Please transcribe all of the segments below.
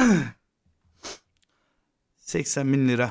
80 bin lira.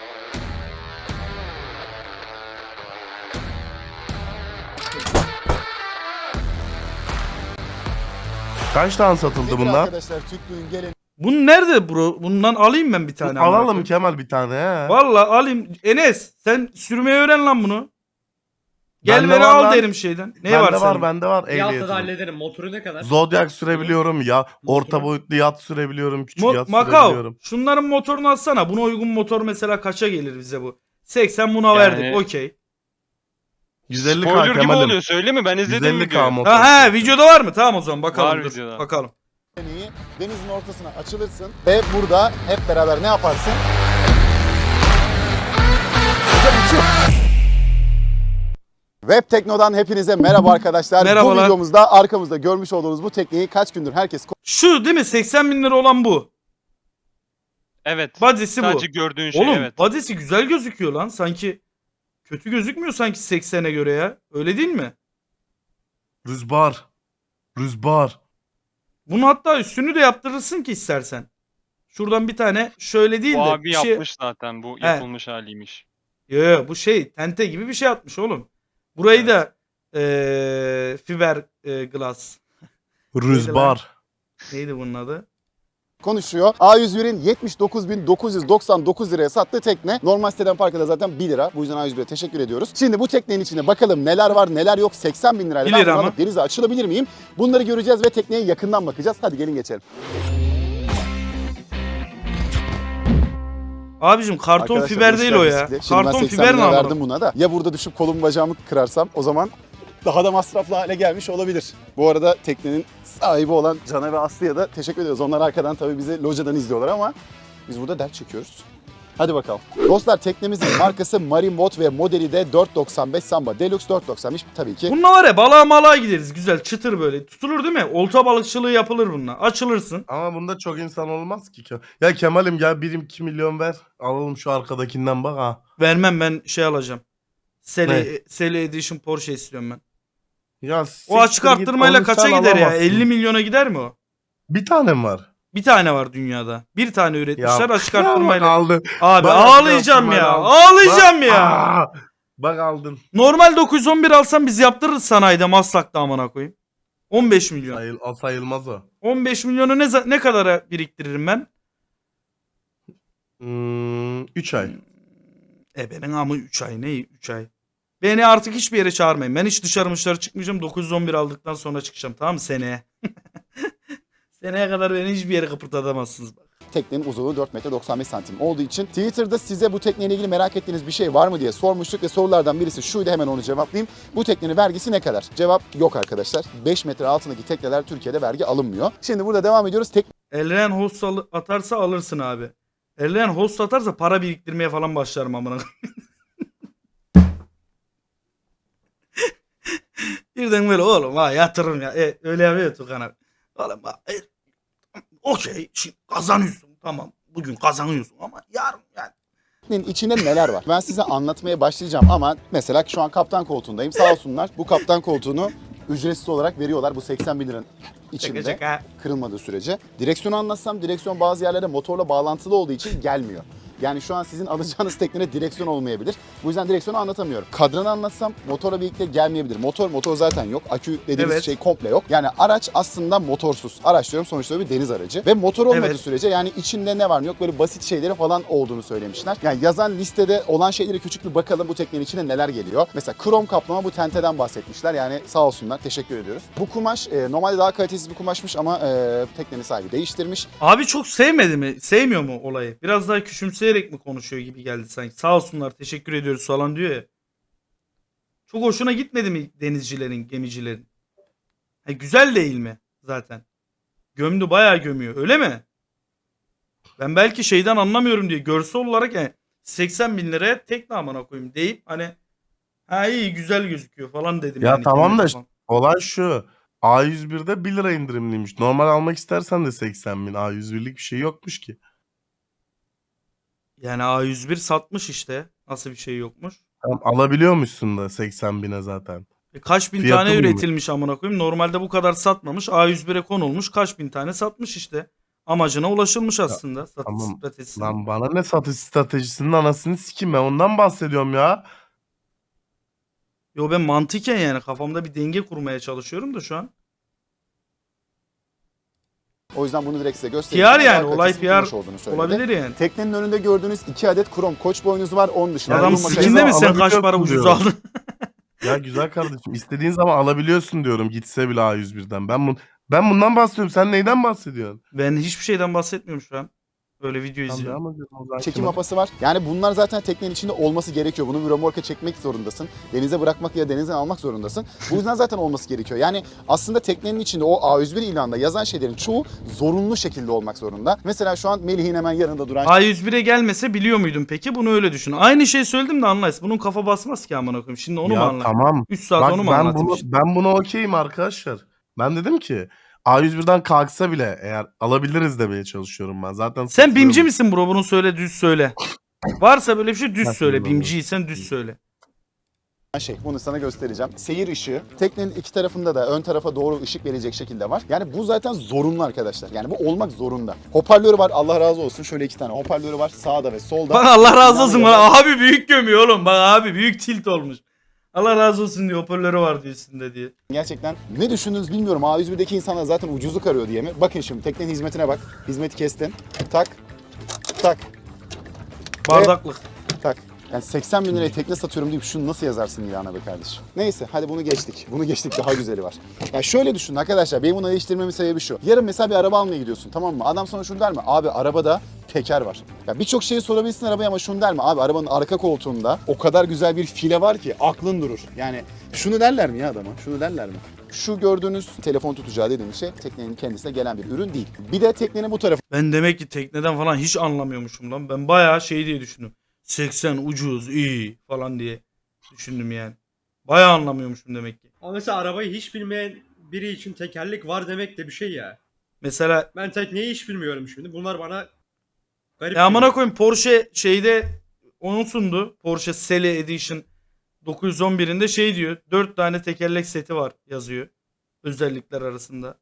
Kaç tane satıldı Nedir bunlar? arkadaşlar Türklüğün geleni. Bunun nerede bro? Bundan alayım ben bir tane. Alalım Kemal bir tane he. Vallahi alayım. Enes sen sürmeyi öğren lan bunu. Gel Bende beni var al lan. derim şeyden. Ne var senin? Bende var Bir haftada ehliyetim. hallederim. Motoru ne kadar? Zodiac sürebiliyorum ya. Orta Motoru- boyutlu yat sürebiliyorum. Küçük yat Macao. sürebiliyorum. Şunların motorunu alsana. Buna uygun motor mesela kaça gelir bize bu? 80 buna Yani- verdik. Okey. 150 Spoiler gibi Kemal'im. oluyor söyleyeyim mi? Ben izledim 150 videoyu. motor. Ha videoda var mı? Tamam o zaman bakalım. Var dur. videoda. Bakalım. Denizin ortasına açılırsın ve burada hep beraber ne yaparsın? Web Tekno'dan hepinize merhaba arkadaşlar. Merhabalar. Bu videomuzda arkamızda görmüş olduğunuz bu tekneyi kaç gündür herkes Şu değil mi? 80 bin lira olan bu. Evet. Body'si bu. Sadece gördüğün şey Oğlum evet. body'si güzel gözüküyor lan. Sanki kötü gözükmüyor sanki 80'e göre ya. Öyle değil mi? Rüzgar. Rüzgar. Bunu hatta üstünü de yaptırırsın ki istersen. Şuradan bir tane şöyle değil Bu de abi bir şey... yapmış zaten. Bu yapılmış haliymiş. Yo, bu şey tente gibi bir şey atmış oğlum. Burayı da fiber glass. Rüzgar. Neydi bunun adı? konuşuyor. A101'in 79.999 liraya sattığı tekne. Normal siteden parkada zaten 1 lira. Bu yüzden A101'e teşekkür ediyoruz. Şimdi bu teknenin içinde bakalım neler var neler yok. 80 bin lirayla 1 ben lira bunu mı? alıp denize açılabilir miyim? Bunları göreceğiz ve tekneye yakından bakacağız. Hadi gelin geçelim. Abicim karton Arkadaşlar, fiber hoş değil o geldiniz ya. size. Şimdi ben Karton 80 fiber ne lira anladım? verdim buna da. Ya burada düşüp kolumu bacağımı kırarsam o zaman daha da masraflı hale gelmiş olabilir. Bu arada teknenin sahibi olan Can'a ve Aslı'ya da teşekkür ediyoruz. Onlar arkadan tabii bizi locadan izliyorlar ama biz burada dert çekiyoruz. Hadi bakalım. Dostlar teknemizin markası Marine Boat ve modeli de 495 Samba Deluxe 495 tabii ki. Bununla var ya balığa malığa gideriz güzel çıtır böyle. Tutulur değil mi? Olta balıkçılığı yapılır bununla. Açılırsın. Ama bunda çok insan olmaz ki. Ya Kemal'im gel 1-2 milyon ver. Alalım şu arkadakinden bak ha. Vermem ben şey alacağım. Ne? Sele Edition Porsche istiyorum ben. Ya O siktir açık git, arttırmayla onu kaça sen gider ya? alamazsın. 50 milyona gider mi o? Bir tane mi var? Bir tane var dünyada. Bir tane üretmişler açık bak arttırmayla. aldın. Abi Bak ağlayacağım açık ya. arttırmayla Ağlayacağım Bak, ya. Bak aldın. Normal 911 alsam biz yaptırırız sanayide Maslak'ta amına koyayım. 15 milyon. Sayılmaz o. 15 milyonu ne kadara biriktiririm ben? 3 ay. Benim amı 3 ay ne 3 ay. Beni artık hiçbir yere çağırmayın. Ben hiç dışarı çıkmayacağım. 911 aldıktan sonra çıkacağım tamam mı seneye? Seneye kadar beni hiçbir yere kıpırdatamazsınız. Teknenin uzunluğu 4 metre 95 santim olduğu için Twitter'da size bu tekneyle ilgili merak ettiğiniz bir şey var mı diye sormuştuk ve sorulardan birisi şuydu, hemen onu cevaplayayım. Bu teknenin vergisi ne kadar? Cevap yok arkadaşlar. 5 metre altındaki tekneler Türkiye'de vergi alınmıyor. Şimdi burada devam ediyoruz. Elren host atarsa alırsın abi. Elren host atarsa para biriktirmeye falan başlarım amına. Birden böyle oğlum ha yatırım ya. Öyle yapıyor Tukan abi. Oğlum okey şimdi kazanıyorsun tamam. Bugün kazanıyorsun ama yarın yani. Teknenin içinde neler var? Ben size anlatmaya başlayacağım ama mesela şu an kaptan koltuğundayım. Sağ olsunlar bu kaptan koltuğunu ücretsiz olarak veriyorlar bu 80 bin liranın içinde. Şaka. Kırılmadığı sürece. Direksiyonu anlatsam direksiyon bazı yerlerde motorla bağlantılı olduğu için gelmiyor. Yani şu an sizin alacağınız teknede direksiyon olmayabilir. Bu yüzden direksiyonu anlatamıyorum. Kadranı anlatsam motorla birlikte gelmeyebilir. Motor zaten yok. Akü dediğimiz Evet. şey komple yok. Yani araç aslında motorsuz. Araç diyorum sonuçta bir deniz aracı. Ve motor olmadığı Evet. sürece yani içinde ne var ne yok böyle basit şeyleri falan olduğunu söylemişler. Yani yazan listede olan şeylere küçük bir bakalım bu teknenin içine neler geliyor. Mesela krom kaplama bu tenteden bahsetmişler. Yani sağ olsunlar teşekkür ediyoruz. Bu kumaş normalde daha kalitesiz bir kumaşmış ama teknenin sahibi değiştirmiş. Abi çok sevmedi mi? Sevmiyor mu olayı? Biraz daha küçümseyerek mi konuşuyor gibi geldi sanki. Sağ olsunlar teşekkür ediyoruz falan diyor ya. Çok hoşuna gitmedi mi denizcilerin, gemicilerin? Güzel değil mi zaten? Gömdü bayağı gömüyor öyle mi? Ben belki şeyden anlamıyorum diye görsel olarak 80 bin liraya tekne amına koyayım deyip hani ha iyi güzel gözüküyor falan dedim. Ya yani tamam kendi da kafam. olay şu. A101'de 1 lira indirimliymiş. Normal almak istersen de 80 bin. A101'lik bir şey yokmuş ki. Yani A101 satmış işte. Nasıl bir şey yokmuş? Tamam, alabiliyormuşsun da 80 bine zaten. Kaç bin Fiyatı tane buymuş. üretilmiş amına koyayım. Normalde bu kadar satmamış. A101'e konulmuş. Kaç bin tane satmış işte. Amacına ulaşılmış aslında. Satış tamam. stratejisinin. Lan bana ne satış stratejisinin anasını sikeyim, ben ondan bahsediyorum ya. Yo ben mantıken yani kafamda bir denge kurmaya çalışıyorum da şu an. O yüzden bunu direkt size göstereceğim. PR yani, Daha olay kalitesi PR kumaş olduğunu söyledi. olabilir yani. Teknenin önünde gördüğünüz 2 adet krom koç boynuzu var. Onun dışında Adam bunun makinesi sikinde makinesi mi sen kaç alabiliyorsun para ucuz diyorum. aldın? Ya güzel kardeşim, istediğin zaman alabiliyorsun diyorum, gitse bile A101'den. Ben bundan bahsediyorum. Sen neyden bahsediyorsun? Ben hiçbir şeyden bahsetmiyorum şu an. Böyle video Tamam, izliyorum. devam edelim o zaman. çekim mapası var. Yani bunlar zaten teknenin içinde olması gerekiyor. Bunu bir römorka çekmek zorundasın. Denize bırakmak ya denizden almak zorundasın. Bu yüzden zaten olması gerekiyor. Yani aslında teknenin içinde o A101 ilanında yazan şeylerin çoğu zorunlu şekilde olmak zorunda. Mesela şu an Melih'in hemen yanında duran A101'e gelmese biliyor muydun peki? Bunu öyle düşün. Aynı şey söyledim de anlayız. Bunun kafa basmaz ki amına koyayım. Şimdi onu mu Ya anlayayım? tamam. 3 saat Bak onu mu ben anlatayım bunu işte? ben buna okeyim arkadaşlar. Ben dedim ki A101'den kalksa bile eğer alabiliriz demeye çalışıyorum ben. Zaten Sen BİMci satılıyormuş. misin bro? Bunu söyle, düz söyle. Varsa böyle bir şey düz Nasıl söyle. bilmiyorum. BİMciysen düz söyle. şey, bunu sana göstereceğim. Seyir ışığı. Teknenin iki tarafında da ön tarafa doğru ışık verecek şekilde var. Yani bu zaten zorunlu arkadaşlar. Yani bu olmak zorunda. Hoparlörü var, Allah razı olsun. Şöyle 2 tane hoparlörü var sağda ve solda. Bak Allah razı olsun Yani bana. Abi büyük gömüyor oğlum. Bak abi büyük tilt olmuş. Allah razı olsun diyor. Hoparlörü var diyor üstünde diye. Gerçekten ne düşündünüz bilmiyorum. A101'deki insanlar zaten ucuzluk arıyor diye mi? Bakın şimdi teknenin hizmetine bak. Hizmeti kestin. Tak. Tak. Bardaklık. Tak. Yani 80 bin liraya tekne satıyorum deyip şunu nasıl yazarsın ilana be kardeşim? Neyse hadi bunu geçtik. Bunu geçtik, daha güzeli var. Ya şöyle düşünün arkadaşlar, benim bunu eleştirmemin sebebi şu. Yarın mesela bir araba almaya gidiyorsun, tamam mı? Adam sana şunu der mi? Abi arabada teker var. Ya birçok şeyi sorabilirsin arabaya ama şunu der mi? Abi arabanın arka koltuğunda o kadar güzel bir file var ki aklın durur. Yani şunu derler mi ya adama? Şunu derler mi? Şu gördüğünüz telefon tutacağı dediğimiz şey teknenin kendisine gelen bir ürün değil. Bir de teknenin bu tarafı Ben demek ki tekneden falan hiç anlamıyormuşum lan. Ben bayağı şey diye düşündüm. 80 ucuz iyi falan diye düşündüm yani. Bayağı anlamıyormuşum demek ki. Ama mesela arabayı hiç bilmeyen biri için tekerlek var demek de bir şey ya. Mesela Ben tekneyi hiç bilmiyorum şimdi. Bunlar bana garip ya amına geliyor. koyayım Porsche şeyde onu sundu. Porsche Sele Edition 911'inde şey diyor. 4 tane tekerlek seti var yazıyor. Özellikler arasında.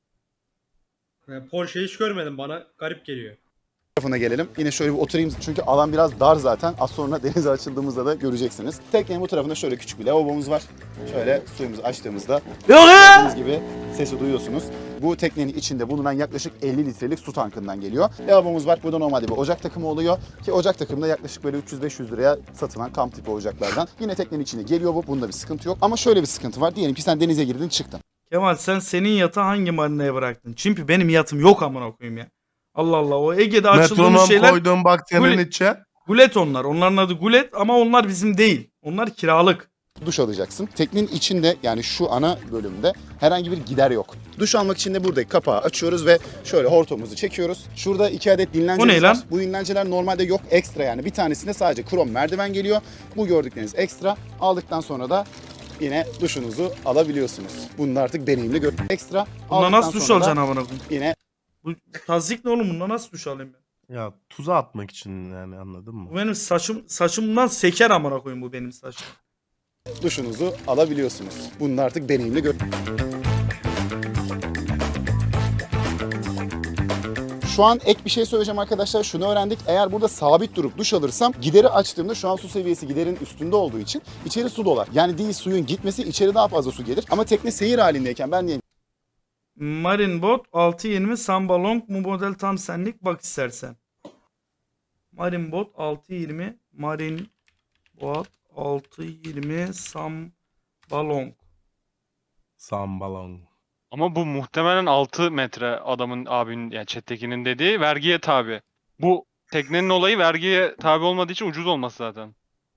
Yani Porsche'yi hiç görmedim, bana garip geliyor. tarafına gelelim. Yine şöyle bir oturayım çünkü alan biraz dar zaten. Az sonra denize açıldığımızda da göreceksiniz. Teknenin bu tarafında şöyle küçük bir lavabomuz var. Şöyle suyumuzu açtığımızda Yok ya! gördüğünüz gibi sesi duyuyorsunuz. Bu teknenin içinde bulunan yaklaşık 50 litrelik su tankından geliyor. Lavabomuz var. Burada normalde bir ocak takımı oluyor. Ki ocak takımı da yaklaşık böyle 300-500 liraya satılan kamp tipi ocaklardan. Yine teknenin içine geliyor bu. Bunda bir sıkıntı yok. Ama şöyle bir sıkıntı var. Diyelim ki sen denize girdin çıktın. Kemal sen senin yatağı hangi marinaya bıraktın? Çünkü benim yatım yok amına koyayım ya. Allah Allah o Ege'de açıldığımız Metronom şeyler koydum bak senin Gul- içe. gulet onlar. Onların adı gulet ama onlar bizim değil. Onlar kiralık. Duş alacaksın. Teknenin içinde yani şu ana bölümde herhangi bir gider yok. Duş almak için de buradaki kapağı açıyoruz ve şöyle hortumumuzu çekiyoruz. Şurada 2 adet O ne dinlencemiz lan? var. Bu dinlenceler normalde yok, ekstra yani. Bir tanesinde sadece krom merdiven geliyor. Bu gördükleriniz ekstra. Aldıktan sonra da yine duşunuzu alabiliyorsunuz. Bunu da artık deneyimli gör. Ekstra. Bundan aldıktan nasıl duş sonra da alacaksın amına koyayım? Yine Bu tazik ne oğlum? Bundan nasıl duş alayım ben? Ya tuza atmak için yani, anladın mı? Bu benim saçımdan seker amına koyayım bu benim saçım. duşunuzu alabiliyorsunuz. Bunu da artık deneyimli gör. Şu an ek bir şey söyleyeceğim arkadaşlar. Şunu öğrendik. Eğer burada sabit durup duş alırsam gideri açtığımda şu an su seviyesi giderin üstünde olduğu için içeri su dolar. Yani değil suyun gitmesi içeri daha fazla su gelir. Ama tekne seyir halindeyken ben diyelim Marine Bot 620 Samba Long bu model tam senlik bak istersen. Marine Bot 620 Marine Bot 620 Samba Long. Sambalon. Ama bu muhtemelen 6 metre adamın abinin yani chat'tekinin dediği vergiye tabi. Bu teknenin olayı vergiye tabi olmadığı için ucuz olması zaten.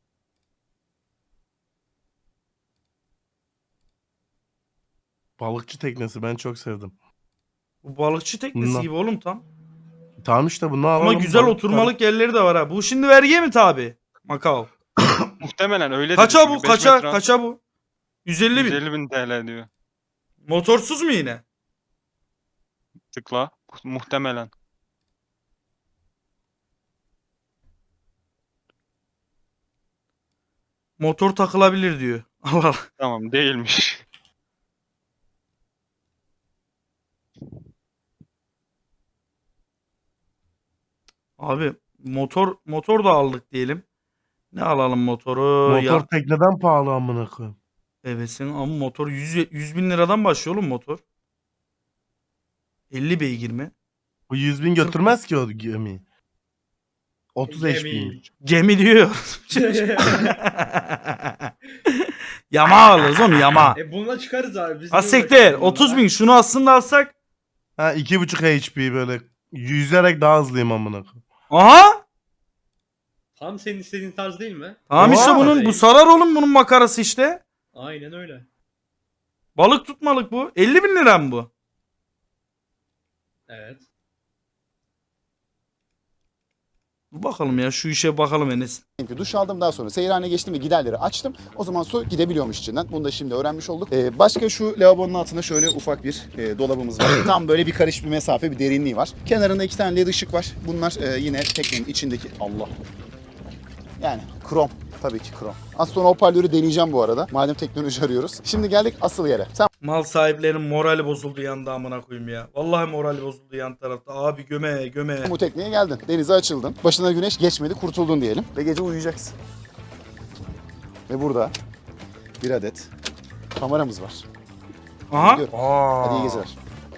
Balıkçı teknesi ben çok sevdim. Bu balıkçı teknesi Bundan. gibi oğlum tam. Tamam işte bunu alalım. Ama güzel balık oturmalık yerleri de var ha. Bu şimdi vergiye mi tabi? Macao. Muhtemelen öyle Kaça dedi bu? çünkü beş Kaça? metre- Kaça bu? 150 bin. 150 bin TL diyor. Motorsuz mu yine? Tıkla. Muhtemelen. Motor takılabilir diyor. Allah Allah. Tamam değilmiş. Abi motor da aldık diyelim. Ne alalım motoru? Motor Ya, tekneden pahalı amına koyayım. evesin ama motor 100 bin liradan başlıyor oğlum motor. 50 beygir mi? Bu 100 bin götürmez ki o gemi. 30 Gemi. HP'ymiş. Gemi diyor. Yama alırız oğlum yama. Bununla çıkarız abi. Biz Ha niye siktir. uğraşıyoruz 30 bunlarla? bin şunu aslında alsak. Ha 2.5 HP böyle yüzerek daha hızlıyım amına koyayım. Aha. Tam senin istediğin tarz değil mi? Tamam Oha. işte bu sarar oğlum bunun makarası işte. Aynen öyle. Balık tutmalık bu. 50 bin lira mı bu? Evet. Dur bakalım ya şu işe bakalım Enes. Çünkü duş aldım, daha sonra seyirhane geçtim ve giderleri açtım. O zaman su gidebiliyormuş içinden. Bunu da şimdi öğrenmiş olduk. Başka şu lavabonun altında şöyle ufak bir dolabımız var. Tam böyle bir karış bir mesafe, bir derinliği var. Kenarında 2 tane led ışık var. Bunlar yine teknenin içindeki... Allah. Yani krom. Tabii ki krom. Az sonra hoparlörü deneyeceğim bu arada. Madem teknoloji arıyoruz. Şimdi geldik asıl yere. Sen Mal sahiplerinin morali bozuldu yanda amına koyayım ya. Vallahi morali bozuldu yan tarafta. Abi göme. bu tekneye geldin. Denize açıldın. Başına güneş geçmedi, kurtuldun diyelim. Ve gece uyuyacaksın. Ve burada bir adet kameramız var. Aha. Gidiyorum. Hadi iyi geceler.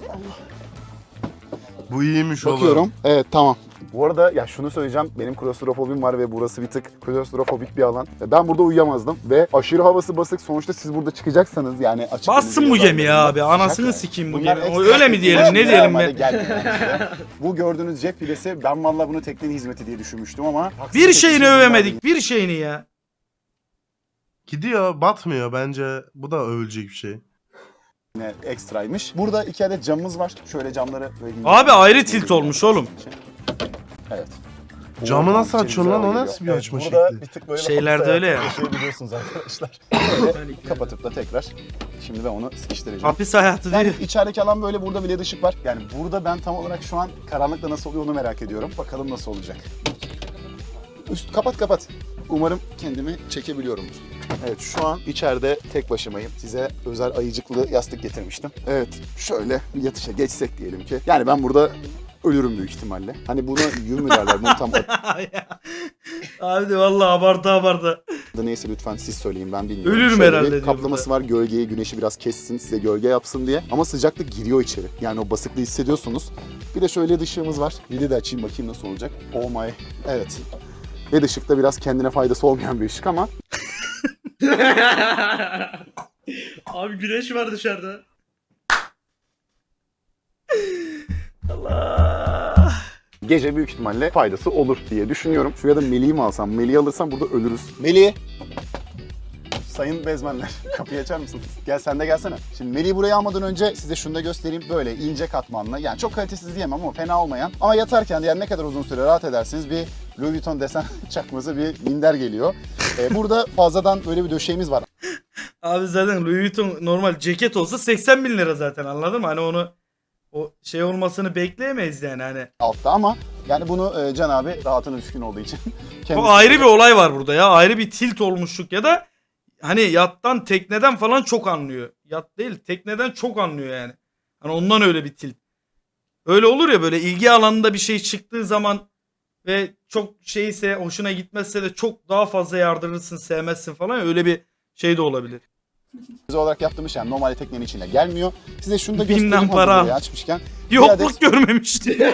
Bu iyiymiş oğlum. Bakıyorum. Evet, tamam. Bu arada ya şunu söyleyeceğim. Benim klostrofobim var ve burası bir tık klostrofobik bir alan. Ben burada uyuyamazdım ve aşırı havası basık. Sonuçta siz burada çıkacaksanız yani açık Bassın deniz bu yollarında gemi ya abi. Anasını yani. sikeyim bu Bunlar gemi. ekstra Öyle mi diyelim? Ne teknoloji diyelim normalde be? gelmiyor yani işte. Bu gördüğünüz cep filesi, ben vallahi bunu teknenin hizmeti diye düşünmüştüm ama Bir şeyini bunlar övemedik. Bir şeyini ya. Gidiyor batmıyor bence. Bu da övülecek bir şey. yine ekstraymış. Burada 2 adet camımız var. Şöyle camları böyle Abi ayrı tilt olmuş oğlum. Evet. Camı Oradan nasıl içeri açıyorsun lan? güzel O geliyor. nasıl bir açma burada şekli? bir tık böyle Şeylerde hafif öyle ya. yaşayabiliyorsunuz arkadaşlar. Böyle kapatıp da tekrar. Şimdi ben onu sıkıştıracağım. Hapis hayatı Yani değil. içerideki alan böyle, burada bile ışık var. Yani burada ben tam olarak şu an karanlıkta nasıl oluyor onu merak ediyorum. Bakalım nasıl olacak. Üst kapat. Umarım kendimi çekebiliyorumdur. Evet, şu an içeride tek başımayım. Size özel ayıcıklı yastık getirmiştim. Evet, şöyle yatışa geçsek diyelim ki. Yani ben burada ölürüm büyük ihtimalle. Hani buna yün mü derler? Bunu tam Abi de vallahi abartı. adı neyse lütfen siz söyleyin, ben bilmiyorum. Ölürüm Şöyle herhalde bir diyor kaplaması var, gölgeyi, güneşi biraz kessin, size gölge yapsın diye. Ama sıcaklık giriyor içeri. Yani o basıklığı hissediyorsunuz. Bir de şöyle ışığımız var. Bir de açayım bakayım nasıl olacak. Oh my. Evet. LED ışık da biraz kendine faydası olmayan bir ışık ama Abi güneş var dışarıda. Allah. gece büyük ihtimalle faydası olur diye düşünüyorum. Şuraya da Melih'i mi alsam? Melih'i alırsam burada ölürüz. Melih! Sayın bezmenler, kapıyı açar mısınız? Gel, sen de gelsene. Şimdi Melih'i buraya almadan önce size şunu da göstereyim. Böyle ince katmanlı, yani çok kalitesiz diyemem ama fena olmayan. Ama yatarken de yani ne kadar uzun süre rahat edersiniz, bir Louis Vuitton desen çakması bir minder geliyor. Burada fazladan böyle bir döşeğimiz var. Abi zaten Louis Vuitton normal ceket olsa 80 bin lira zaten, anladın mı? Hani onu o şey olmasını bekleyemeyiz yani hani. Altta ama yani bunu Can abi rahatına düşkün olduğu için O kendisi... ayrı bir olay var burada ya. Ayrı bir tilt olmuşluk ya da hani yattan tekneden falan çok anlıyor. Yat değil tekneden çok anlıyor yani. Hani ondan öyle bir tilt. Öyle olur ya, böyle ilgi alanında bir şey çıktığı zaman ve çok şeyse, hoşuna gitmezse de çok daha fazla yardırırsın, sevmezsin falan, öyle bir şey de olabilir. olarak yaptığımız yani normalde teknenin içine gelmiyor. Size şunu da Binden göstereyim para hazır al. burayı açmışken. Yokluk adet- görmemişti.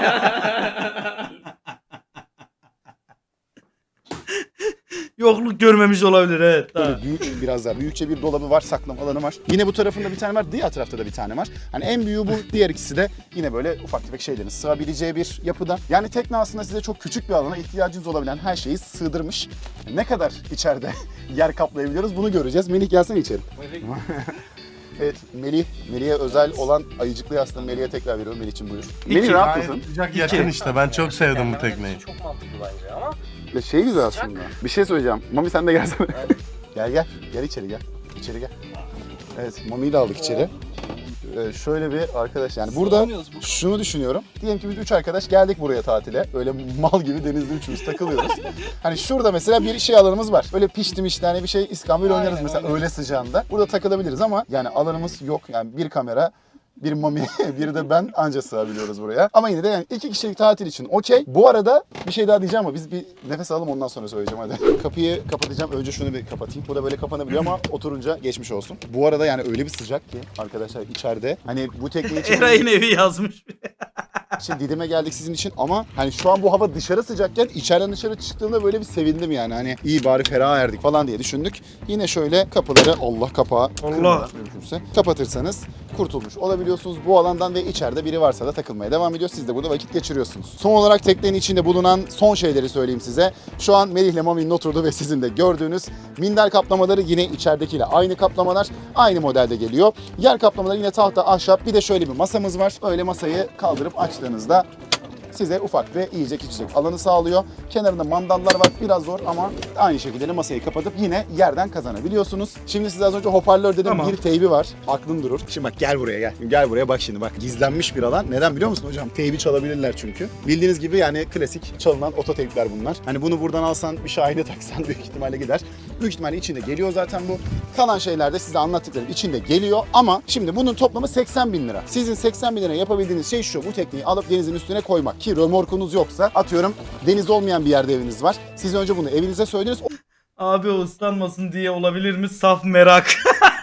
Yokluk görmemiş olabilir, evet. Tamam. Böyle büyük, biraz daha büyükçe bir dolabı var, saklama alanı var. Yine bu tarafında bir tane var, diğer tarafta da bir tane var. Hani en büyüğü bu, diğer ikisi de yine böyle ufak tefek şeylerin sığabileceği bir yapıda. Yani tekne aslında size çok küçük bir alana ihtiyacınız olabilen her şeyi sığdırmış. Ne kadar içeride yer kaplayabiliyoruz bunu göreceğiz. Melih gelsene içeri. Evet, Melih'e özel olan ayıcıklı yastığı Melih'e tekrar veriyorum. Melih'cim buyur. Melih rahat Gayet mısın? sıcak yakın işte. Ben çok sevdim bu tekneyi. Çok mantıklı bence ama. Ya şey güzel aslında. Bir şey söyleyeceğim. Mami sen de gelsene. Gel. Gel içeri gel. İçeri gel. Evet, Mami'yi de aldık içeri. Şöyle bir arkadaş, yani burada şunu düşünüyorum. Diyelim ki biz 3 arkadaş geldik buraya tatile. Öyle mal gibi denizde üçümüz takılıyoruz. Hani şurada mesela bir şey alanımız var. Böyle piştim işte, hani bir şey iskambil oynarız mesela öğle sıcağında. Burada takılabiliriz ama yani alanımız yok. Yani bir kamera, bir Mami, biri de ben anca sığabiliyoruz buraya. Ama yine de yani 2 kişilik tatil için okey. Bu arada bir şey daha diyeceğim ama biz bir nefes alalım ondan sonra söyleyeceğim hadi. Kapıyı kapatacağım. Önce şunu bir kapatayım. Bu da böyle kapanabiliyor ama oturunca geçmiş olsun. Bu arada yani öyle bir sıcak ki arkadaşlar içeride. Hani bu tekne için Eray'ın evi yazmış. Didim'e geldik sizin için ama hani şu an bu hava dışarı sıcakken içeriden dışarı çıktığımda böyle bir sevindim yani. Hani iyi bari ferah erdik falan diye düşündük. Yine şöyle kapıları Allah kapağı kırmadan mümkünse kapatırsanız kurtulmuş olabiliyorsunuz bu alandan ve içeride biri varsa da takılmaya devam ediyor. Siz de burada vakit geçiriyorsunuz. Son olarak teknenin içinde bulunan son şeyleri söyleyeyim size. Şu an Melih ile Mami'nin oturduğu ve sizin de gördüğünüz minder kaplamaları yine içeridekiyle aynı kaplamalar. Aynı modelde geliyor. Yer kaplamaları yine tahta, ahşap. Bir de şöyle bir masamız var. Öyle masayı kaldırıp açtığınızda size ufak ve yiyecek içecek alanı sağlıyor. Kenarında mandallar var. Biraz zor ama aynı şekilde de masayı kapatıp yine yerden kazanabiliyorsunuz. Şimdi size az önce hoparlör dedim. Tamam. Bir teybi var. Aklın durur. Şimdi bak gel buraya gel. Gel buraya bak şimdi bak. Gizlenmiş bir alan. Neden biliyor musun hocam? Teybi çalabilirler çünkü. Bildiğiniz gibi yani klasik çalınan oto teypler bunlar. Hani bunu buradan alsan bir şahide taksan büyük ihtimalle gider. Büyük ihtimalle içinde geliyor zaten bu. Kalan şeyler de size anlattıklarım içinde geliyor ama şimdi bunun toplamı 80 bin lira. Sizin 80 bin lira yapabildiğiniz şey şu. Bu tekneyi alıp denizin üstüne koymak. Ki römorkunuz yoksa atıyorum deniz olmayan bir yerde eviniz var. Siz önce bunu evinize söylediniz. Abi o ıslanmasın diye olabilir mi? Saf merak.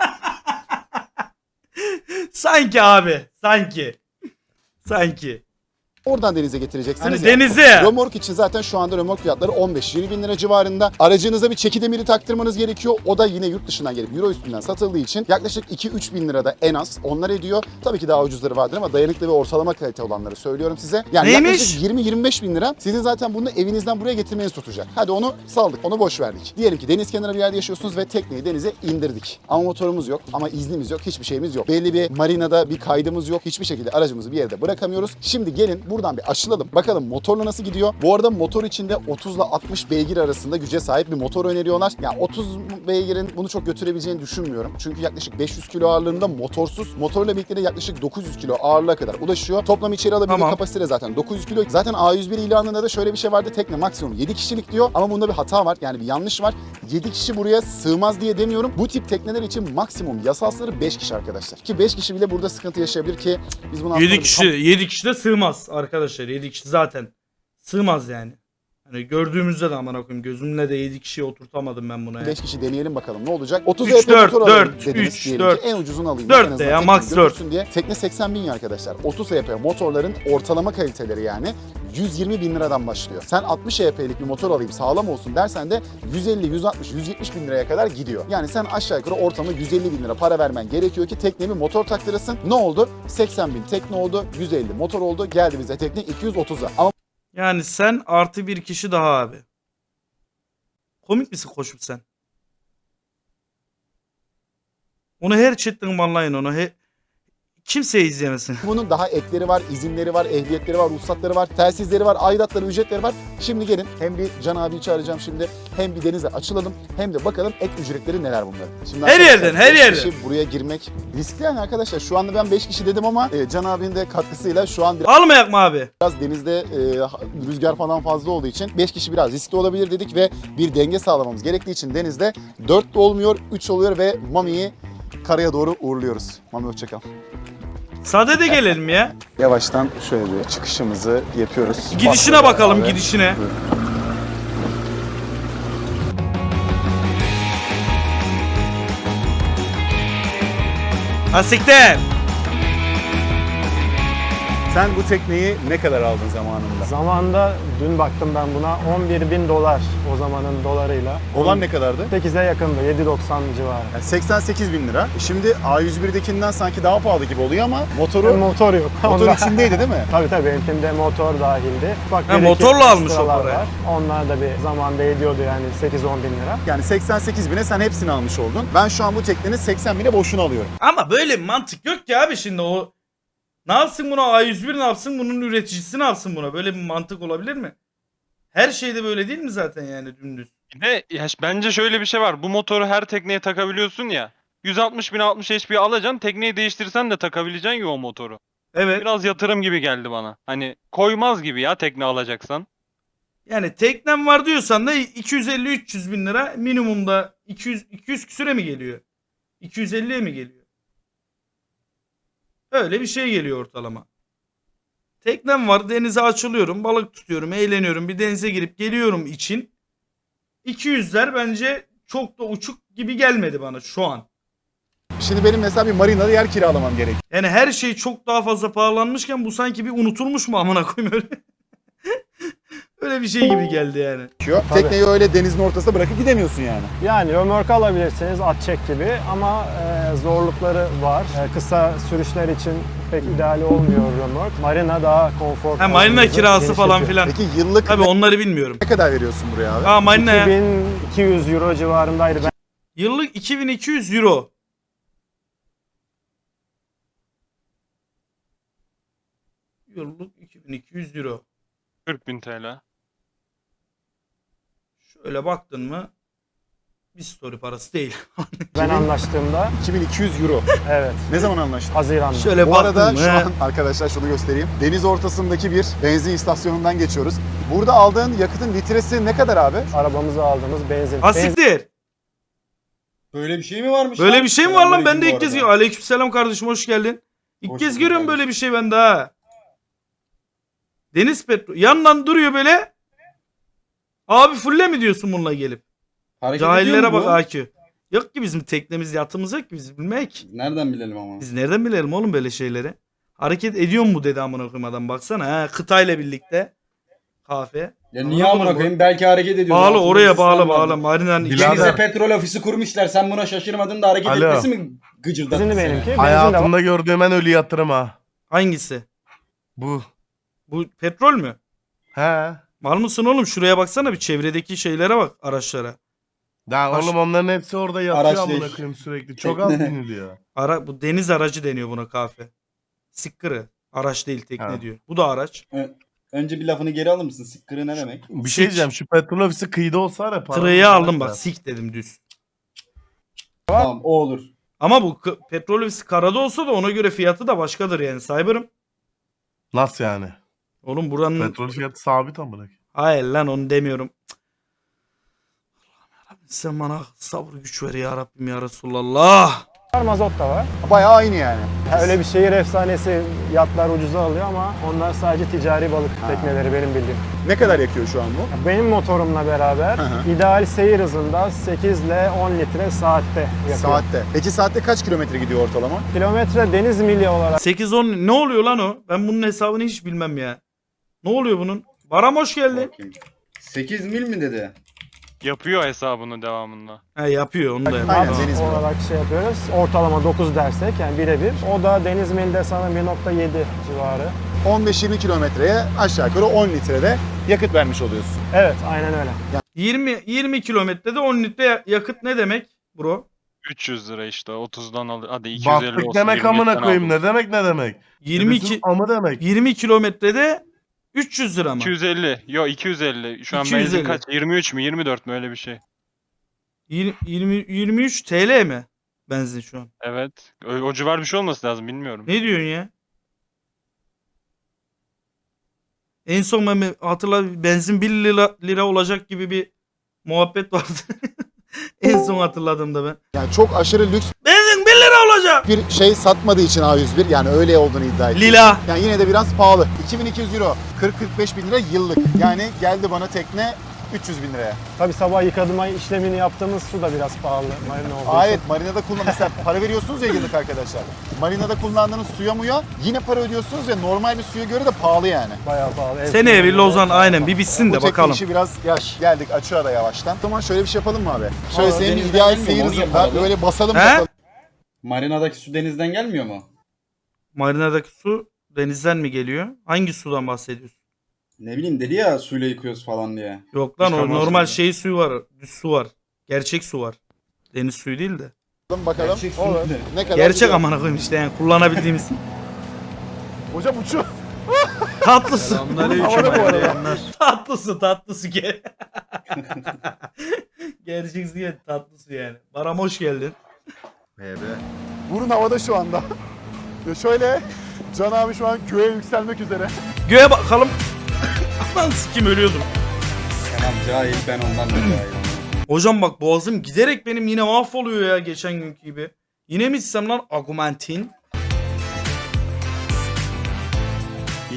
Sanki abi. Sanki. Oradan denize getireceksiniz. Hani denize. Römork için zaten şu anda römork fiyatları 15-20 bin lira civarında. Aracınıza bir çeki demiri taktırmanız gerekiyor. O da yine yurt dışından gelip euro üstünden satıldığı için yaklaşık 2-3 bin lirada en az onlar ediyor. Tabii ki daha ucuzları vardır ama dayanıklı ve ortalama kalite olanları söylüyorum size. Yani Neymiş? yaklaşık 20-25 bin lira sizin zaten bunu evinizden buraya getirmeniz tutacak. Hadi onu saldık, onu boş verdik. Diyelim ki deniz kenarı bir yerde yaşıyorsunuz ve tekneyi denize indirdik. Ama motorumuz yok, ama iznimiz yok, hiçbir şeyimiz yok. Belli bir marinada bir kaydımız yok. Hiçbir şekilde aracımızı bir yerde bırakamıyoruz. Şimdi gelin buradan bir açılalım. Bakalım motorla nasıl gidiyor? Bu arada motor içinde 30 ile 60 beygir arasında güce sahip bir motor öneriyorlar. Yani 30 beygirin bunu çok götürebileceğini düşünmüyorum. Çünkü yaklaşık 500 kilo ağırlığında motorsuz. Motorla birlikte de yaklaşık 900 kilo ağırlığa kadar ulaşıyor. Toplam içeri alabildiği Tamam. kapasite zaten 900 kilo. Zaten A101 ilanında da şöyle bir şey vardı. Tekne maksimum 7 kişilik diyor. Ama bunda bir hata var. Yani bir yanlış var. 7 kişi buraya sığmaz diye demiyorum. Bu tip tekneler için maksimum yasal sınırı 5 kişi arkadaşlar. Ki 5 kişi bile burada sıkıntı yaşayabilir ki biz bunu 7 kişi de sığmaz arkadaşlar. 7 kişi zaten sığmaz yani. Hani gördüğümüzde de aman koyayım gözümle de 7 kişiye oturtamadım ben buna ya. 5 kişi deneyelim bakalım ne olacak. 30 3, EP 4, motor alalım 4, dediniz 3, diyelim 4. ki en ucuzunu alayım. 4 En de azından ya, tekneyi max 4. götürsün diye. Tekne 80 bin ya arkadaşlar. 30 EP motorların ortalama kaliteleri yani 120 bin liradan başlıyor. Sen 60 EP'lik bir motor alayım sağlam olsun dersen de 150, 160, 170 bin liraya kadar gidiyor. Yani sen aşağı yukarı ortalama 150 bin lira para vermen gerekiyor ki tekneye bir motor taktırasın. Ne oldu? 80 bin tekne oldu, 150 motor oldu. Geldi bize tekne 230'a. Ama Yani sen artı bir kişi daha abi. Komik misin koşup sen? Onu her chatten banlayın onu. Kimse izlemesin. bunun daha ekleri var, izinleri var, ehliyetleri var, ruhsatları var, telsizleri var, aidatları, ücretleri var. Şimdi gelin hem bir Can abiyi çağıracağım şimdi hem bir denize açılalım hem de bakalım ek ücretleri neler bunların. Şimdi Her arkadaşlar, yerden, her 5 yerden. kişi buraya girmek riskli yani arkadaşlar. Şu anda ben 5 kişi dedim ama Can abinin de katkısıyla şu an Almayak mı abi? biraz denizde rüzgar falan fazla olduğu için 5 kişi biraz riskli olabilir dedik ve bir denge sağlamamız gerektiği için denizde 4 de olmuyor, 3 oluyor ve Mami'yi karaya doğru uğurluyoruz. Mami hoşçakal. Sade de gelelim ya. Yavaştan şöyle bir çıkışımızı yapıyoruz. Gidişine bakalım, Abi. gidişine. Asiktir. Sen bu tekneyi ne kadar aldın zamanında? Zamanında dün baktım ben buna 11.000 dolar o zamanın dolarıyla. Olan ne kadardı? 8'e yakındı 7.90 civarı. Yani 88 bin lira. Şimdi A101'dekinden sanki daha pahalı gibi oluyor ama motoru Motor yok. motor Onda- içindeydi değil mi? Tabii tabii benimkinde motor dahildi. Bak, Ha, bir iki motorla almış o ekstralar parayı. var. Onlar da bir zamanda ediyordu yani 8-10 bin lira. Yani 88 bine sen hepsini almış oldun. Ben şu an bu teknenin 80 bine boşuna alıyorum. Ama böyle bir mantık yok ki abi şimdi o. Ne yapsın buna A101 ne yapsın bunun üreticisi ne yapsın buna böyle bir mantık olabilir mi? Her şeyde böyle değil mi zaten yani dümdüz? Bir de bence şöyle bir şey var. Bu motoru her tekneye takabiliyorsun ya. 160 bin 60 HP alacaksın. Tekneyi değiştirsen de takabileceksin ya o motoru. Evet. Biraz yatırım gibi geldi bana. Hani koymaz gibi ya tekne alacaksan. Yani teknem var diyorsan da 250-300 bin lira minimumda 200 küsüre mi geliyor? 250'ye mi geliyor? Öyle bir şey geliyor ortalama. Teknem var, denize açılıyorum, balık tutuyorum, eğleniyorum, bir denize girip geliyorum için 200'ler bence çok da uçuk gibi gelmedi bana şu an. Şimdi benim mesela bir marinada yer kiralamam gerekiyor. Yani her şey çok daha fazla pahalanmışken bu sanki bir unutulmuş mu amına koyayım öyle. Öyle bir şey gibi geldi yani. Tabii. Tekneyi öyle denizin ortasına bırakıp gidemiyorsun yani. Yani römork alabilirsiniz at çek gibi ama zorlukları var. Kısa sürüşler için pek ideal olmuyor römork. Marina daha konforlu. Ha, marina kirası falan filan. Peki yıllık Tabii onları bilmiyorum. ne kadar veriyorsun buraya abi? Ha marinaya 2200 euro civarındaydı. Ben yıllık 2200 euro. Yıllık 2200 euro. 40.000 TL. Şöyle baktın mı bir story parası değil. anlaştığımda 2200 euro. evet Ne zaman anlaştın? Haziran'da. Şöyle Bu baktın arada mı? şu an arkadaşlar şunu göstereyim. Deniz ortasındaki bir benzin istasyonundan geçiyoruz. Burada aldığın yakıtın litresi ne kadar abi? Arabamıza aldığımız benzin. Asiktir. Böyle bir şey mi varmış Böyle lan? bir şey mi var lan? Ben de Selamünaleyküm ilk bu kez arada. görüyorum. Aleykümselam kardeşim, hoş geldin. İlk Hoş kez bulduk görüyorum böyle kardeşim. bir şey ben daha. Deniz petrol. Yandan duruyor böyle. Abi fulle mi diyorsun bununla gelip? Hareket ediyor Cahillere mu bak bu? Aki. Yok ki bizim teknemiz, yatımız yok ki biz bilmek. Nereden bilelim ama? Biz nereden bilelim oğlum böyle şeyleri? Hareket ediyor mu dedi amına koyayım adam, baksana ha, kıtayla birlikte. Kahve. Ya niye amına koyayım? Belki hareket ediyor. Bağlı Altında oraya sistem bağlı vardır. bağlı. Marina'nın Birader. içinde. Denize petrol ofisi kurmuşlar. Sen buna şaşırmadın da hareket Alo. etmesi mi gıcırdattı Benzinli seni? benimki. Benzin de var. Hayatımda gördüğüm en ölü yatırım ha. Hangisi? Bu. Bu petrol mü? He. Var mısın oğlum? Şuraya baksana, bir çevredeki şeylere bak, araçlara. Ya Baş- oğlum onların hepsi orada yatıyor Araç amına değil. koyayım sürekli. Çok az Tekne. biniliyor. Bu deniz aracı deniyor buna, kahve. Sikkırı. Araç değil, tekne Ha. diyor. Bu da araç. Önce bir lafını geri alır mısın? Sıkkırı ne demek? Bir şey diyeceğim, şu petrol ofisi kıyıda olsa var ya. paramız Tırı'yı var aldım ya. bak, sik dedim düz. Tamam o olur. Ama bu petrol ofisi karada olsa da ona göre fiyatı da başkadır yani, Cyber'ım. Nasıl yani? Oğlum buranın... Petrol fiyatı sabit amına koyayım. Hayır lan, onu demiyorum. Cık. Allah'ım yarabbim, sen bana sabır güç ver ya Rabbim ya Resulallah. mazot da var. Bayağı aynı yani. Öyle bir şehir efsanesi, yatlar ucuza alıyor ama onlar sadece ticari balık tekneleri benim bildiğim. Ne kadar yakıyor şu an bu? Benim motorumla beraber hı. ideal seyir hızında 8 ile 10 litre saatte yapıyor. Saatte. Peki saatte kaç kilometre gidiyor ortalama? Kilometre deniz mili olarak 8-10 ne oluyor lan o? Ben bunun hesabını hiç bilmem ya. Ne oluyor bunun? Baram hoş geldin. Bakayım. 8 mil mi dedi? Yapıyor hesabını devamında. He yapıyor, onu da yapıyor. Aynen, Tamam. deniz mili. olarak şey yapıyoruz. Ortalama 9 dersek yani birebir. O da deniz milde sanırım 1.7 civarı. 15-20 kilometreye aşağı yukarı 10 litrede yakıt vermiş oluyorsun. Evet aynen öyle. 20 kilometrede 10 litre yakıt ne demek bro? 300 lira işte 30'dan al. Hadi 250 Battık olsun. demek 25'ten amına koyayım. aldım. Ne demek ne demek? 22 Dedesin amı demek. 20 kilometrede 300 lira mı? 250. Yo 250. Şu an 250. benzin kaç? 23 mü 24 mü öyle bir şey. 23 TL mi benzin şu an? Evet. O civar bir şey olması lazım bilmiyorum. Ne diyorsun ya? En son ben hatırla, benzin 1 lira olacak gibi bir muhabbet vardı. En son hatırladığımda ben. Yani çok aşırı lüks Benzin 1 lira olacak. bir şey satmadığı için A101 yani öyle olduğunu iddia ediyor. Lila. Yani yine de biraz pahalı. 2200 euro, 40-45 bin lira yıllık. Yani geldi bana tekne 300 bin liraya. Tabii sabah yıkadığım işlemini yaptığımız su da biraz pahalı. Marina olduğu Aa, için. evet, marinada mesela para veriyorsunuz ya yıllık arkadaşlar. Marinada kullandığınız suya muya yine para ödüyorsunuz ve normal bir suya göre de pahalı yani. Bayağı pahalı. Ev Seneye bir suyu Lozan bayağı aynen pahalı. bir bitsin Bu de tekne bakalım. işi biraz yaş. Geldik açığa da yavaştan. O zaman şöyle bir şey yapalım mı abi? Şöyle Aa, senin denizden ideal gelmiyor seyir mu? Onu hızında yapalım. böyle basalım He? bakalım. Marinadaki su denizden gelmiyor mu? Marinadaki su denizden mi geliyor? Hangi sudan bahsediyorsun? Ne bileyim dedi ya suyla yıkıyoruz falan diye. Yok lan, o Çıkarmaz normal mı? şey suyu var. Düz su var. Gerçek su var. Deniz suyu değil de. Bakalım. Gerçek su Olur. ne? Ne kadar Gerçek gidiyor? amına koyayım işte, yani kullanabildiğimiz. Hocam uçuyor. Tatlısı. Havada bu arada. Tatlısı Gerçek su yani, tatlısı yani. Baram hoş geldin. Burun havada şu anda. Ve şöyle Can abi şu an göğe yükselmek üzere. Göğe bakalım. Aman sikim, ölüyordum. Tamam cahil ben ondan da cahil. Hocam bak, boğazım giderek benim yine mahvoluyor ya, geçen günkü gibi. Yine mi içsem lan Augmentin?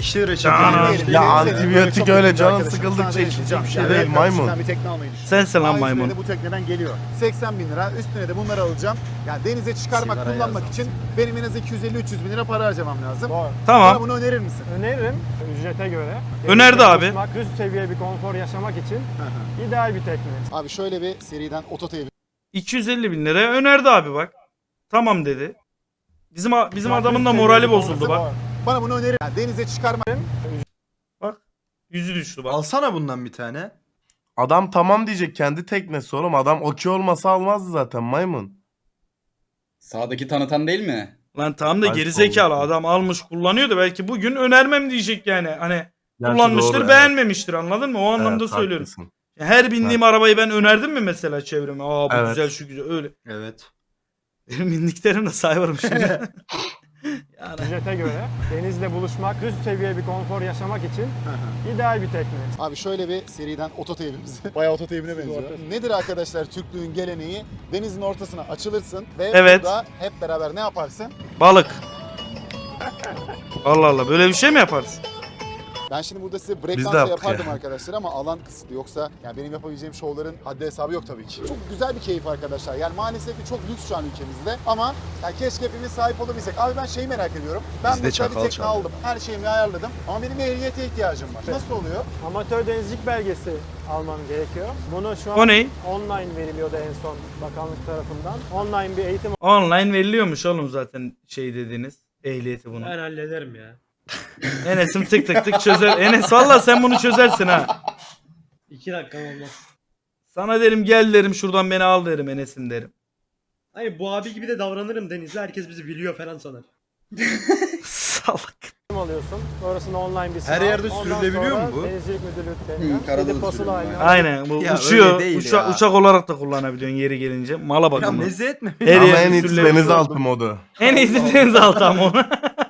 yeşil reçete. Aa, Diyelim, Ya diyelim, antibiyotik çok öyle yakın bir canın arkadaşım, sıkıldıkça sana içecek deneyeceğim. bir şey Yani değil, ben maymun. sizden bir tekne almayı düşünüyorum. Sensin lan A101'e maymun. de bu tekneden geliyor. 80 bin lira. Üstüne de bunları alacağım. Yani denize çıkarmak, Sigara kullanmak yazdım. için benim en az 250-300 bin lira para harcamam lazım. Doğru. Bana Tamam. bunu önerir misin? Öneririm ücrete göre. Önerdi Denizde abi. buluşmak, üst seviye bir konfor yaşamak için ideal bir tekne. Abi şöyle bir seriden Ototay'a 250 bin liraya önerdi abi bak. Tamam dedi. Bizim adamın da Üst morali seviye bir bozuldu konfor- bak. bana bunu önerir. Yani denize çıkarmak Bak. Yüzü düştü bak. Alsana bundan bir tane. Adam tamam diyecek, kendi teknesi oğlum. Adam okey olmasa almazdı zaten maymun. Sağdaki tanıtan değil mi? Lan tamam da Ay, gerizekalı oldu. adam almış kullanıyor da belki bugün önermem diyecek yani. Hani Gerçi kullanmıştır doğru, beğenmemiştir anladın mı? O anlamda Evet, söylüyorum. haklısın. Her bindiğim arabayı ben önerdim mi mesela çevreme? Aa bu Evet. güzel şu güzel öyle. Evet. Benim bindiklerim de sayarım şimdi. yani Ücrete göre denizle buluşmak, üst seviye bir konfor yaşamak için ideal bir tekne. Abi şöyle bir seriden Ototay'ımız. Bayağı Ototay'ımına benziyor. Nedir arkadaşlar Türklüğün geleneği? Denizin ortasına açılırsın ve Evet. burada hep beraber ne yaparsın? balık. Allah Allah böyle bir şey mi yaparsın? Ben şimdi burada size Biz de breakdance yaptık yapardım ya. arkadaşlar ama alan kısıtlı. Yoksa yani benim yapabileceğim şovların haddi hesabı yok tabii ki. Çok güzel bir keyif arkadaşlar. Yani maalesef ki çok lüks şu an ülkemizde ama yani keşke hepimiz sahip olabilsek. Abi ben şeyi merak ediyorum. Ben Bizde mesela bir çakal tekne çaldı. aldım. Her şeyimi ayarladım ama benim ehliyete ihtiyacım var. Nasıl oluyor? Amatör denizcilik belgesi alman gerekiyor. Bunu şu an O ne? online veriliyordu en son bakanlık tarafından. Online bir eğitim Online veriliyormuş oğlum zaten şey dediğiniz ehliyeti bunu. Ben hallederim ya. Enes'im tık tık tık çözer. Enes valla sen bunu çözersin ha. 2 dakika olmaz. Sana derim gel derim şuradan beni al derim Enes'im derim. Hayır bu abi gibi de davranırım Deniz'le. Herkes bizi biliyor falan sanar. Salak. alıyorsun. Sonrasında online bir sınav. Her yerde Ondan sürülebiliyor sonra mu bu? Denizcilik Müdürlüğü Hı, karada da basılı sürülüyor. haline Aynen bu Ya uçuyor. öyle değil ya. Uçak olarak da kullanabiliyorsun yeri gelince. Mala Ya bakımı. meze etme. Her Ama yerde en iyisi sürülebiliyor. denizaltı modu. En iyisi denizaltı ama onu.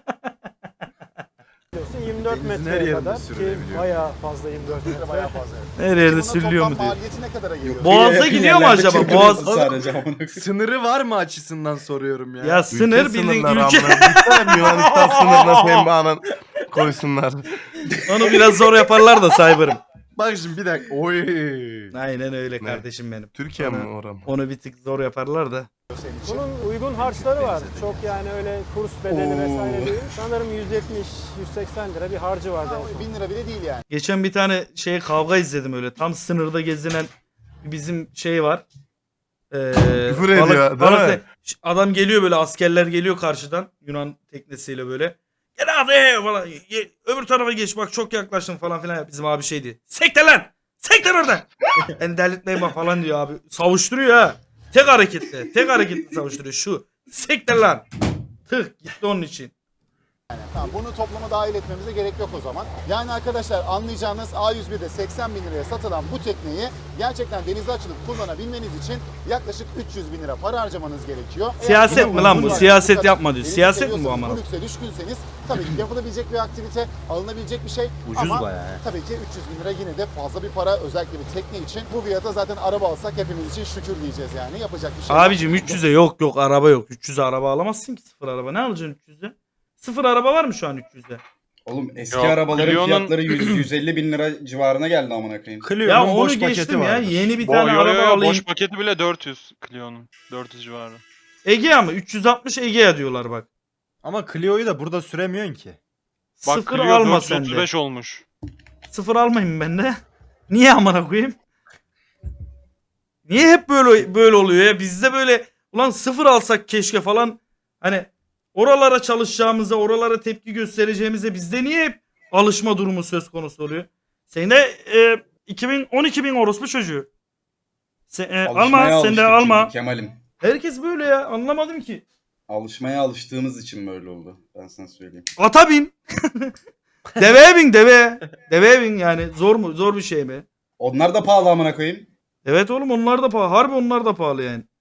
alıyorsun. 24 Denizin her metreye yerinde kadar ki sürülebiliyor. bayağı fazla 24 metre. Bayağı fazla. Her yerde Bunun sürülüyor mu toplam diyor. maliyeti ne kadara geliyor? Boğaz'da Yakın gidiyor mu yerlerde acaba? çırpınıyorsun Boğaz. sadece amına koyayım. Sınırı var mı açısından soruyorum ya. Ya sınır Ülke bildiğin sınırları ülke. amına. Lütfen Yunanistan sınırına pembe anan koysunlar. Onu biraz zor yaparlar da Cyber'ım. Bak şimdi bir dakika. Oy. Aynen öyle Ne? kardeşim benim. Türkiye mi oram? Onu bir tık zor yaparlar da. Senin için. Bunun uygun harçları var. Çok yani öyle kurs bedeli vesaire değil. Sanırım 170-180 lira bir harcı vardı en son. 1000 lira bile değil yani. Geçen bir tane şey kavga izledim öyle. Tam sınırda gezinen bizim şey var. Küfür ediyor, değil mi? Adam geliyor böyle askerler geliyor karşıdan Yunan teknesiyle böyle. Gel hadi falan. Öbür tarafa geç bak çok yaklaştın falan filan. Bizim abi şeydi. Sekte lan! Sekte oradan! Yani delirtmeyin bak falan diyor abi. Savuşturuyor ha. Tek hareketle savuşturuyor. Şu. Sekte lan! Tık gitti onun için. Tamam, bunu toplama dahil etmemize gerek yok o zaman. Yani arkadaşlar anlayacağınız A101'de 80 bin liraya satılan bu tekneyi gerçekten denize açılıp kullanabilmeniz için yaklaşık 300 bin lira para harcamanız gerekiyor. Eğer Siyaset buna mi lan bu? uygun Siyaset var, yapma diyor. denizi Siyaset mi bu seviyorsanız, amına? Bu lükse düşkünseniz tabii ki yapılabilecek bir aktivite, alınabilecek bir şey. Ucuz ama bayağı. tabii ki 300 bin lira yine de fazla bir para özellikle bir tekne için. Bu fiyata zaten araba alsak hepimiz için şükür diyeceğiz yani. Yapacak bir şey yok. Abicim 300'e yok araba yok. 300'e araba alamazsın ki sıfır araba. Ne alacaksın 300'e? Sıfır araba var mı şu an 300'e? Oğlum eski Yok, arabaların Clio'nun- fiyatları 100-150 bin lira civarına geldi amına koyayım. Ya Clio'nun onu boş paketi geçtim ya. vardır. Yeni bir tane araba alayım. Boş paketi bile 400 Clio'nun. 400 civarı. Egea mı? 360 Egea diyorlar bak. Ama Clio'yu da burada süremiyorsun ki. Bak Sıfır Clio alma sen de. 435 olmuş. Sıfır almayayım ben de. Niye amına koyayım? Niye hep böyle oluyor ya? Bizde böyle ulan sıfır alsak keşke falan. Hani oralara çalışacağımıza, oralara tepki göstereceğimize bizde niye hep alışma durumu söz konusu oluyor? Senin de 2012 bin orospu çocuğu. Alışmaya Alma sen de alıştık alma. çünkü Kemal'im. Herkes böyle ya anlamadım ki. Alışmaya alıştığımız için böyle oldu. Ben sana söyleyeyim. Ata bin. Deveye bin deve. Deveye bin yani zor mu? Zor bir şey mi? Onlar da pahalı amına koyayım. Evet oğlum onlar da pahalı. Harbi onlar da pahalı yani.